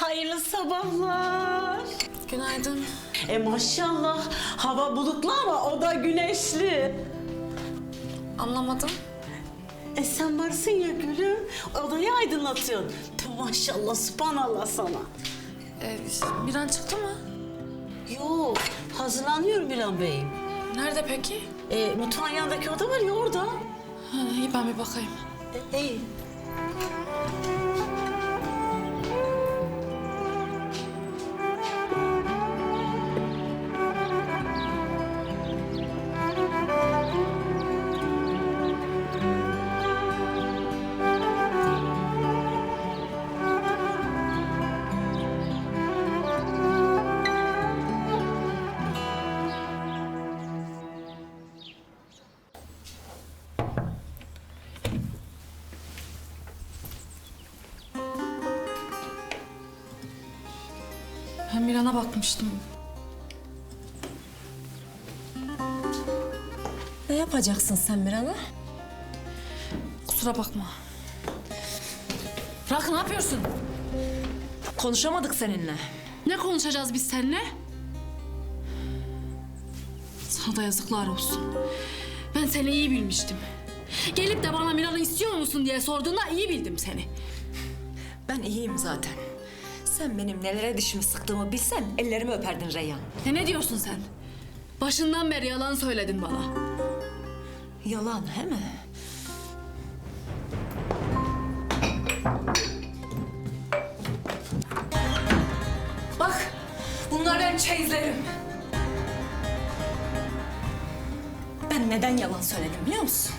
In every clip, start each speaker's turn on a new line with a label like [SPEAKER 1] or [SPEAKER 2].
[SPEAKER 1] Hayırlı sabahlar.
[SPEAKER 2] Günaydın.
[SPEAKER 1] Maşallah hava bulutlu ama o da güneşli.
[SPEAKER 2] Anlamadım.
[SPEAKER 1] Sen varsın ya gülüm, odayı aydınlatıyorsun. Maşallah, subhanallah sana.
[SPEAKER 2] Miran çıktı mı?
[SPEAKER 1] Yok, hazırlanıyorum Miran Bey'im.
[SPEAKER 2] Nerede peki?
[SPEAKER 1] Mutfağın yanındaki oda var ya orada.
[SPEAKER 2] İyi ben bir bakayım.
[SPEAKER 1] İyi.
[SPEAKER 2] Ben Miran'a bakmıştım.
[SPEAKER 3] Ne yapacaksın sen Miran'a?
[SPEAKER 2] Kusura bakma. Bırak, ne yapıyorsun?
[SPEAKER 3] Konuşamadık seninle.
[SPEAKER 2] Ne konuşacağız biz seninle? Sana da yazıklar olsun. Ben seni iyi bilmiştim. Gelip de bana Miran'ı istiyor musun diye sorduğunda iyi bildim seni.
[SPEAKER 3] Ben iyiyim zaten. Sen benim nelere dişimi sıktığımı bilsen ellerimi öperdin Reyhan.
[SPEAKER 2] Ne diyorsun sen? Başından beri yalan söyledin bana.
[SPEAKER 3] Yalan he mi? Bak, bunlar benim çeyizlerim. Ben neden yalan söyledim biliyor musun?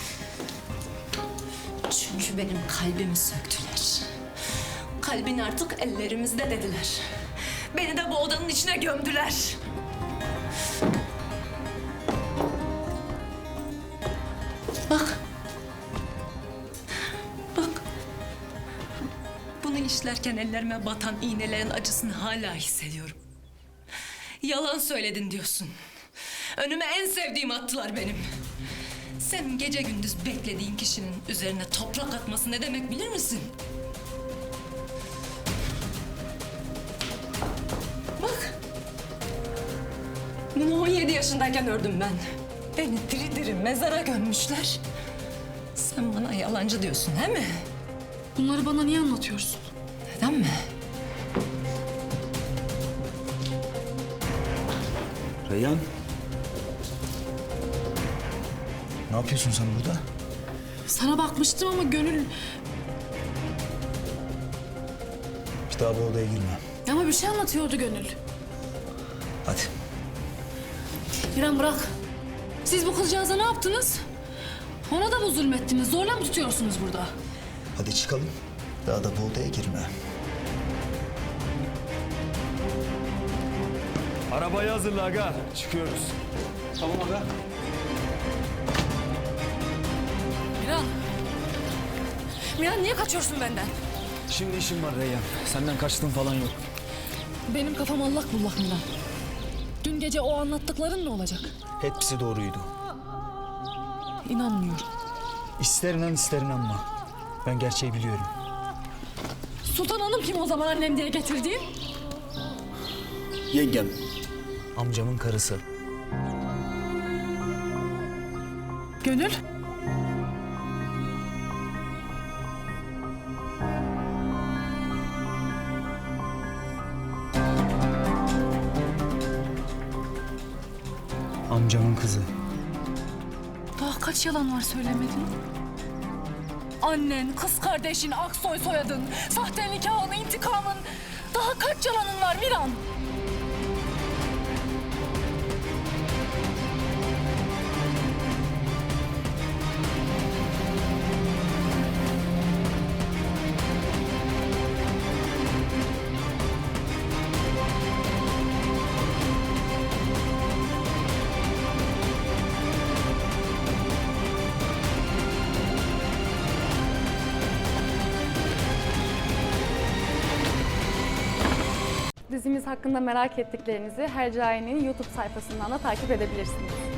[SPEAKER 3] Çünkü benim kalbimi söktüler. Kalbin artık ellerimizde dediler. Beni de bu odanın içine gömdüler. Bak. Bak. Bunu işlerken ellerime batan iğnelerin acısını hala hissediyorum. Yalan söyledin diyorsun. Önüme en sevdiğim attılar benim. Sen gece gündüz beklediğin kişinin üzerine toprak atması ne demek bilir misin? Bak. Bunu 17 yaşındayken ördüm ben. Beni diri diri mezara gömmüşler. Sen bana yalancı diyorsun, he mi?
[SPEAKER 2] Bunları bana niye anlatıyorsun?
[SPEAKER 3] Neden mi?
[SPEAKER 4] Reyhan. Ne yapıyorsun sen burada?
[SPEAKER 2] Sana bakmıştım ama Gönül...
[SPEAKER 4] Bir daha bu odaya girme.
[SPEAKER 2] Ama bir şey anlatıyordu Gönül.
[SPEAKER 4] Hadi.
[SPEAKER 2] İrem bırak. Siz bu kızcağıza ne yaptınız? Ona da mı zulmettiniz? Zorla mı tutuyorsunuz burada?
[SPEAKER 4] Hadi çıkalım. Daha da bu odaya girme.
[SPEAKER 5] Arabayı hazırla aga. Çıkıyoruz.
[SPEAKER 4] Tamam aga.
[SPEAKER 2] Miran. Miran niye kaçıyorsun benden?
[SPEAKER 5] Şimdi işim var Reyhan. Senden kaçtığım falan yok.
[SPEAKER 2] Benim kafam allak bullak Miran. Dün gece o anlattıkların ne olacak?
[SPEAKER 4] Hepsi doğruydu.
[SPEAKER 2] İnanmıyorum.
[SPEAKER 4] İster inan ister inanma. Ben gerçeği biliyorum.
[SPEAKER 2] Sultan Hanım kim o zaman annem diye getirdiğin?
[SPEAKER 4] Yengem. Amcamın karısı.
[SPEAKER 2] Gönül.
[SPEAKER 4] Amcamın kızı.
[SPEAKER 2] Daha kaç yalan var söylemedin? Annen, kız kardeşin, Aksoy soyadın, sahte nikahın, intikamın. Daha kaç yalanın var Miran?
[SPEAKER 6] Dizimiz hakkında merak ettiklerinizi Hercai'nin YouTube sayfasından da takip edebilirsiniz.